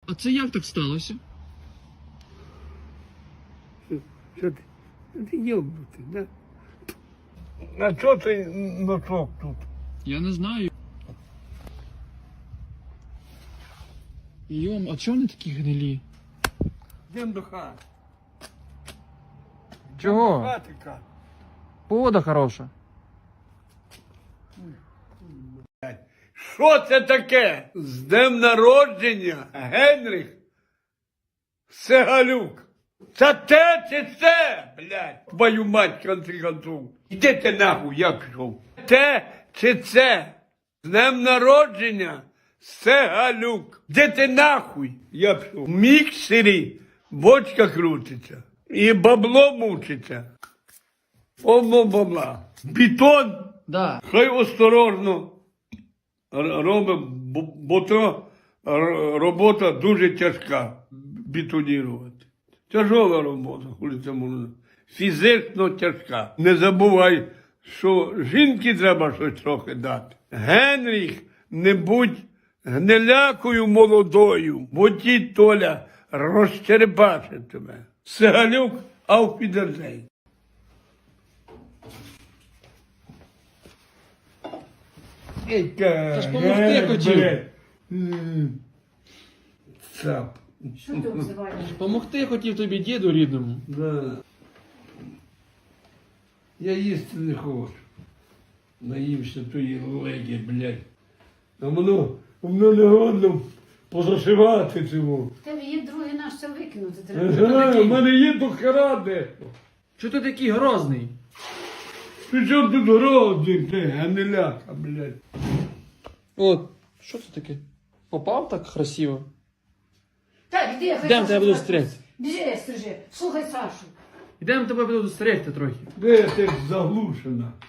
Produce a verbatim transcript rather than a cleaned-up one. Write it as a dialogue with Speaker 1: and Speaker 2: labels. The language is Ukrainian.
Speaker 1: А це як так сталося?
Speaker 2: Що ти? Ти йобнутий, да? А що ти носок тут?
Speaker 1: Я не знаю. Йом, а чого вони такі гнилі?
Speaker 2: Йдем до хати.
Speaker 1: Чого?
Speaker 2: Хати, Кать.
Speaker 1: Погода хороша.
Speaker 2: Що це таке? З днем народження, Генріх Сегалюк. Це те чи це, блядь? Твою мать, конці концов. Іди ти нахуй, я пішов. Те чи це? З днем народження, Сегалюк. Де ти нахуй, я пішов. В міксері бочка крутиться. І бабло мучиться. Повно бабла. Бетон.
Speaker 1: Да.
Speaker 2: Хай осторожно робимо, бо, бо то р- робота дуже тяжка бетонувати. Тяжова робота, коли це можна. Фізично тяжка. Не забувай, що жінки треба щось трохи дати. Генріх, не будь гнилякою молодою, бо ті Толя розчерепачить тебе. Сегалюк, ауфідерзейн.
Speaker 1: Та ж помогти хотів.
Speaker 2: Цап.
Speaker 3: Що ти обзиваєш?
Speaker 1: Помогти хотів тобі діду рідному.
Speaker 2: Да. Я їсти не хочу. Наївся тої легі, блядь. А воно, воно не годно позашивати цього.
Speaker 3: В тебе є другий наш, це викинути
Speaker 2: Ага,
Speaker 3: треба.
Speaker 2: в мене є до хера дехто.
Speaker 1: Чого ти такий грозний?
Speaker 2: Ти що тут грозний, ти, гниляка, блядь.
Speaker 1: От, що це таке? Попав так красиво?
Speaker 3: Так, іди, хай
Speaker 1: Йдем,
Speaker 3: Сашу
Speaker 1: тебе буду
Speaker 3: так.
Speaker 1: стригти.
Speaker 3: Біжи, стрижи. Слухай Сашу.
Speaker 1: Йдемо тебе буду стригти трохи.
Speaker 2: Де ти заглушена?